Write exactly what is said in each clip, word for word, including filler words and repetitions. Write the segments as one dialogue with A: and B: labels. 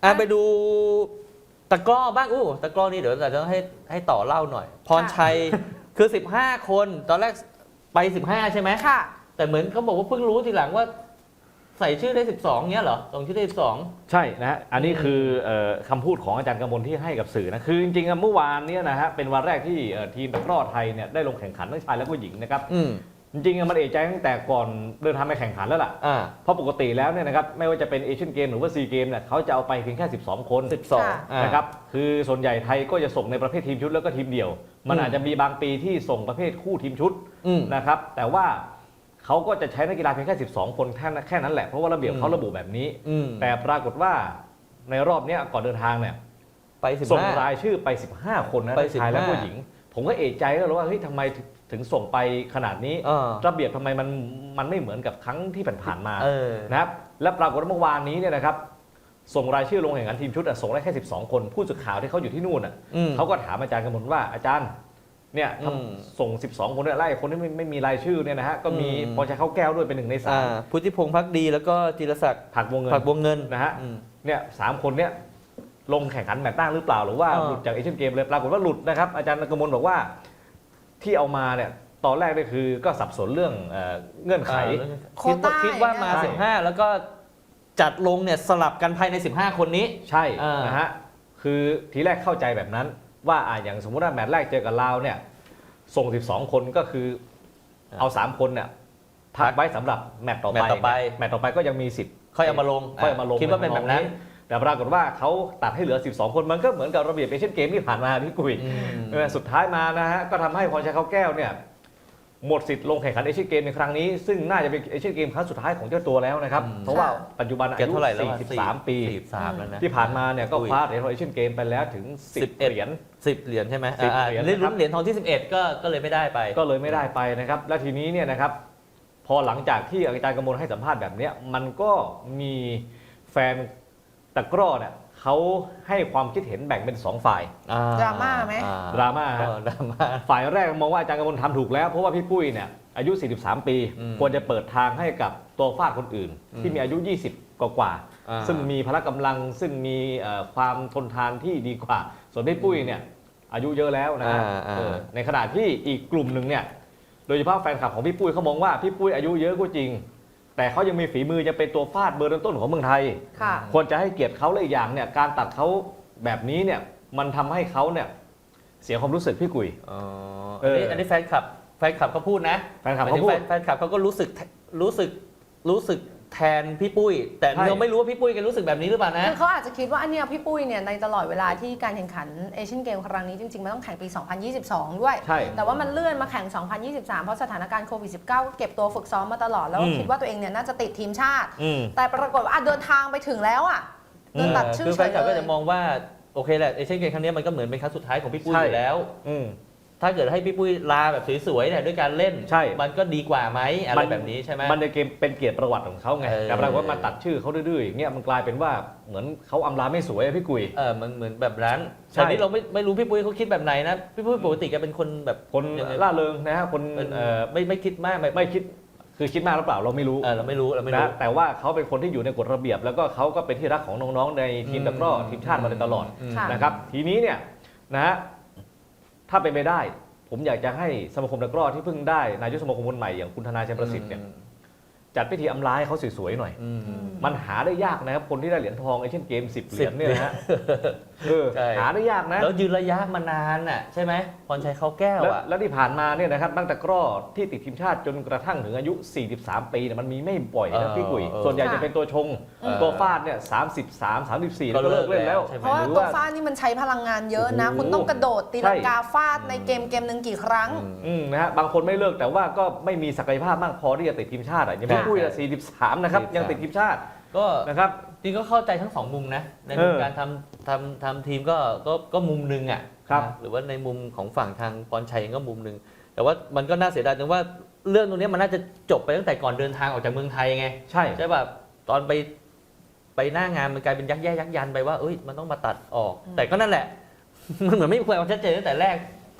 A: อ่ะไปดูตะกร้อบ้างอู้ตะกร้อนี่เดี๋ยวเราจะให้ให้ต่อเล่าหน่อย พรชัยคือสิบห้าคนตอนแรกไปสิบห้าใช่ไหม
B: ค่ะ
A: แต่เหมือนเขาบอกว่าเพิ่งรู้ทีหลังว่าใส่ชื่อได้สิบสองเงี้ยเหรอส่งชื่อได้สิบสอง
C: ใช่นะฮะอันนี้คือคำพูดของอาจารย์กมลที่ให้กับสื่อนะคือจริงๆเมื่อวานนี้นะฮะเป็นวันแรกที่ทีมตะกร้อไทยเนี่ยได้ลงแข่งขันทั้งชายและก็หญิงนะครับจริงๆมันเอะใจตั้งแต่ก่อนเดินทางไปแข่งขันแล้วล่ะเพราะปกติแล้วเนี่ยนะครับไม่ว่าจะเป็นเอเชียนเกมหรือว่าซีเกมเนี่ยเขาจะเอาไปเพียงแค่สิบสองคน
A: สิบสอง
C: นะครับคือส่วนใหญ่ไทยก็จะส่งในประเภททีมชุดแล้วก็ทีมเดี่ยวมันอาจจะมีบางปีที่ส่งประเภทคู่ทีมชุดนะครับแต่ว่าเขาก็จะใช้นักกีฬาเพียงแค่สิบสองคนแค่แค่นั้นแหละเพราะว่าระเบียบเขาระบุแบบนี้แต่ปรากฏว่าในรอบนี้ก่อนเดินทางเนี่ย
A: ไป
C: ส่งรายชื่อไปสิบห้าคนนะชายและก็หญิงผมก็เอะใจแล้วว่าเฮ้ยทำไมถึงส่งไปขนาดนี้ระเบียบทำไมมันมันไม่เหมือนกับครั้งที่ผ่านๆมานะครับและปรากฏว่าเมื่อวานนี้เนี่ยนะครับส่งรายชื่อลงแข่งขันทีมชุดส่งได้แค่สิบสองคนผู้สื่อข่าวที่เขาอยู่ที่นู่นเขาก็ถามอาจารย์กมลว่าอาจารย์เนี่ยส่งสิบสองคนเนี่ยไล่คนที่ไม่ไม่มีรายชื่อเนี่ยนะฮะก็มีพรชัยเข้าแก้วด้วยเป็นหนึ่งในสาม
A: พุทธิพงษ์พักดีแล้วก็จิรศักดิ์
C: ผักวงเงิน
A: ผักวงเงิน
C: นะฮะเนี่ยสามคนเนี่ยลงแข่งขันแมตช์ตั้งหรือเปล่าหรือว่าหลุดจากเอเชียนเกมเลยปรากฏว่าหลุดนะครับอาจารย์กมลบอกว่าที่เอามาเนี่ยตอนแรกเนี่ยคือก็สับสนเรื่องเงื่อนไข
A: คิดว่าคิดว่ามาสิบห้าแล้วก็จัดลงเนี่ยสลับกันภายในสิบห้าคนนี้
C: ใช่นะฮะคือทีแรกเข้าใจแบบนั้นว่าอย่างสมมุติว่าแมตช์แรกเจอกับลาวเนี่ยส่งสิบสองคนก็คือเอาสามคนเนี่ยพักไว้สำหรับแมตช์ต่อไปแมตช์ต่อไปก็ยังมีสิทธิ์
A: ค่อยเอามาลง
C: ค่อยเอามาลง
A: คิดว่าเป็นแบบนั้น
C: แต่ปรากฏว่าเขาตัดให้เหลือสิบสองคนมันก็เหมือนกับระเบียบเอเชียนเกมที่ผ่านมาพี่กุ้ยสุดท้ายมานะฮะก็ทำให้พรชัยเข้าแก้วเนี่ยหมดสิทธิ์ลงแข่งขันเอเชียนเกมในครั้งนี้ซึ่งน่าจะเป็นเอเชียนเกมครั้งสุดท้ายของเจ้าตัวแล้วนะครับเพราะว่าปัจจุบันอายุสี่สิบสามปีที่ผ่านมาเนี่ยก็คว้าเหรียญทองเอเชียนเกมไปแล้วถึงสิบเหรียญ
A: สิบเหรียญใช่ไหมสิบเหรียญลุ้นเหรียญทองที่สิบเอ็ดก็ก็เลยไม่ได้ไป
C: ก็เลยไม่ได้ไปนะครับและทีนี้เนี่ยนะครับพอหลังจากที่อาจารย์กมลให้สัมภาษณ์แบบนี้มันก็มีแฟนตะกร้อเนี่ยเขาให้ความคิดเห็นแบ่งเป็นสองฝ่าย
B: ดราม่าไหม
C: ดราม่าดราม่าฝ่ายแรกมองว่าอาจารย์กมลทำถูกแล้วเพราะว่าพี่ปุ้ยเนี่ยอายุสี่สิบสามปีควรจะเปิดทางให้กับตัวฟาดคนอื่นที่มีอายุยี่สิบกว่าซึ่งมีพละกำลังซึ่งมีความทนทานที่ดีกว่าส่วนพี่ปุ้ยเนี่ยอายุเยอะแล้วนะในขณะที่อีกกลุ่มหนึ่งเนี่ยโดยเฉพาะแฟนคลับของพี่ปุ้ยเขามองว่าพี่ปุ้ยอายุเยอะก็จริงแต่เขายังมีฝีมือยังเป็นตัวฟาดเบอร์ต้นๆของเมืองไทยควรจะให้เกียรติเขาและอีกอย่างเนี่ยการตัดเขาแบบนี้เนี่ยมันทำให้เขาเนี่ยเสียความรู้สึกพี่กุย
A: อ๋ออันนี้แฟนคลับแฟนคลับเขาพูดนะ
C: แฟนคลับเขาพูด
A: แฟนคลับเขาก็รู้สึกรู้สึกรู้สึกแทนพี่ปุ้ยแต่เราไม่รู้ว่าพี่ปุ้ยแกรู้สึกแบบนี้หรือเปล่านะ
B: คือเขาอาจจะคิดว่าอันเนี้ยพี่ปุ้ยเนี่ยในตลอดเวลาที่การแข่งขันเอเชียนเกมครั้งนี้จริงๆมันต้องแข่งปีสองพันยี่สิบสองด้วยแต่ว่ามันเลื่อนมาแข่งสองพันยี่สิบสามเพราะสถานการณ์โควิด สิบเก้า เก็บตัวฝึกซ้อมมาตลอดแล้วคิดว่าตัวเองเนี่ยน่าจะติดทีมชาติแต่ปรากฏว่าเดินทางไปถึงแล้วอ่ะโดนตัดชื่อ
A: คือแฟนคลับก็จะมองว่าโอเคแหละเอเชียนเกมครั้งนี้มันก็เหมือนเป็นครั้งสุดท้ายของพี่ปุ้ยอยู่แล้วถ้าเกิดให้พี่ปุ้ยลาแบบสวยๆเนี่ยด้วยการเล่น
C: ใช่
A: มันก็ดีกว่าไหมอะไรแบบนี้ใช่ไหม
C: มันในเกมเป็นเกียรติประวัติของเขาไงแต่ปรากฏว่ามาตัดชื่อเขาดื้อๆอย่างเงี้ยมันกลายเป็นว่าเหมือนเขาอำลาไม่สวยพี่กุย
A: เออมันเหมือนแบบนั้นแต่นี้เราไม่ไม่รู้พี่ปุ้ยเขาคิดแบบไหนนะพี่ปุ้ยปกติแกเป็นคนแบบ
C: คนล่าเริงนะฮะคน
A: เออไม่ไม่คิดมาก
C: ไม่คิดคือคิดมากหรือเปล่าเราไม่รู้
A: เออเราไม่รู้เราไม่รู้
C: แต่ว่าเขาเป็นคนที่อยู่ในกฎระเบียบแล้วก็เขาก็เป็นที่รักของน้องๆในทีมตะกร้อทีมชาติมาโดยตลอดนะครับทีนี้เนี่ยนะฮะถ้าเป็นไปได้ผมอยากจะให้สมาคมตะกร้อที่เพิ่งได้นายกสมาคมคนใหม่อย่างคุณธนาชัยประสิทธิ์เนี่ยจัดพิธีอำลาให้เขาสวยๆหน่อยมันหาได้ยากนะครับคนที่ได้เหรียญทองเอเชียนเกมสิบเหรียญเนี่ยนะฮะหาได้ยากนะ
A: แล้วยืนระยะมานานน่ะใช่ไหมพรชัยเข้าแก้วอ่ะ
C: แล้วที่ผ่านมาเนี่ยนะครับตั้งแต่ตะกร้อที่ติดทีมชาติจนกระทั่งถึงอายุสี่สิบสามปีเนี่ยมันมีไม่บ่อยนะพี่กุยส่วนใหญ่จะเป็นตัวชงตัวฟาดเนี่ยสามสิบสาม สามสิบสี่ก็เลิกเล่นแล้ว
B: เพราะว่าตัวฟาดนี่มันใช้พลังงานเยอะนะคุณต้องกระโดดตีลังกาฟาดในเกมเกมหนึ่งกี่ครั้ง
C: นะฮะบางคนไม่เลิกแต่ว่าก็ไม่มีศักยภาพมากพอที่จะติดทีมชาติอ่ะยังพี่กุยละสี่สิบสามนะครับยังติดทีมชาติ
A: ก็
C: นะครับ
A: จริงก็เข้าใจทั้งสองมุมนะในมุมการทำทำทำทีมก็ก็ก็มุมหนึ่งอ่ะหรือว่าในมุมของฝั่งทางพรชัยก็มุมหนึ่งแต่ว่ามันก็น่าเสียดายตรงว่าเรื่องตรงนี้มันน่าจะจบไปตั้งแต่ก่อนเดินทางออกจากเมืองไทยไง
C: ใช่
A: ใช่แบบตอนไปไปหน้างานมันกลายเป็นยักแย่ยักยันไปว่าเอ้ยมันต้องมาตัดออกแต่ก็นั่นแหละมันเหมือนไม่มีความชัดเจนตั้งแต่แรก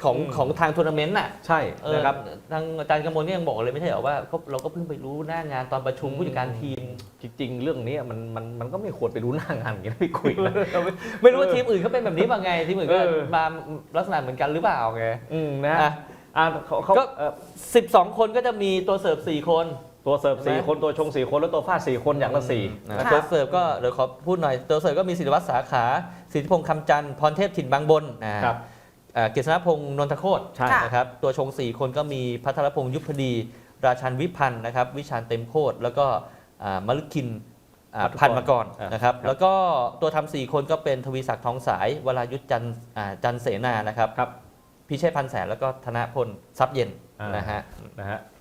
A: ของ
C: อืม
A: ของทางทัวร์นาเมนต์น่ะ
C: ใช่
A: เออ
C: นะครับ
A: ทางอาจารย์กำมลก็ยังบอกเลยไม่ใช่เหรอว่าก็เราก็เพิ่งไปรู้หน้างานตอนประชุมผู้จัดการทีม
C: จริงๆ เรื่องนี้มันมันมันก็ไม่ควรไปรู้หน้างานอย่างนี้นะพี่คุยนะ
A: ไม่รู้ว่าทีมอื่นเขาเป็นแบบนี้ป่ะไงทีมอื่นก็
C: เออ
A: มาลักษณะเหมือนกันหรือเปล่าไง
C: อืมนะ
A: อ่ะ
C: อ่าเขาเขา
A: ก็
C: เอ่อ
A: สิบสองคนก็จะมีตัวเสิร์ฟสี่คน
C: ตัวเสิร์ฟ
A: ใช่
C: สี่
A: ไหม
C: คนตัวชงสี่คนแล้วตัวฟาดสี่คนอย่างละสี่
A: นะ
B: ค่ะ
A: ตัวเสิร์ฟก็เดี๋ยวขอพูดหน่อยตัวเสิร์ฟก็มีศิริวัตรสาขาสิทธิพงษ์คำจันทร์พรเทพถิ่นบางบนนะครับ เอ่อเกษณพงษ์นนทโคตร
C: ใช่
A: นะครับตัวชงสี่คนก็มีพัทรพงษ์ยุพดี ราชันวิพันธ์นะครับวิชาญเต็มโคตรแล้วก็อ่ามฤคินอ่า
C: พันธุกร
A: พันมากร
C: อ่าน
A: นะครับ
C: ครับ
A: แล้วก็ตัวทำสี่คนก็เป็นทวีศักดิ์ทองสายวรายุทธจันทร์อ่าจันทร์เสนานะครับ
C: ครับ
A: พิเชษพันแสนแล้วก็ธนพลทรัพย์เย็น
C: อ่าน
A: นะฮะ
C: นะฮะ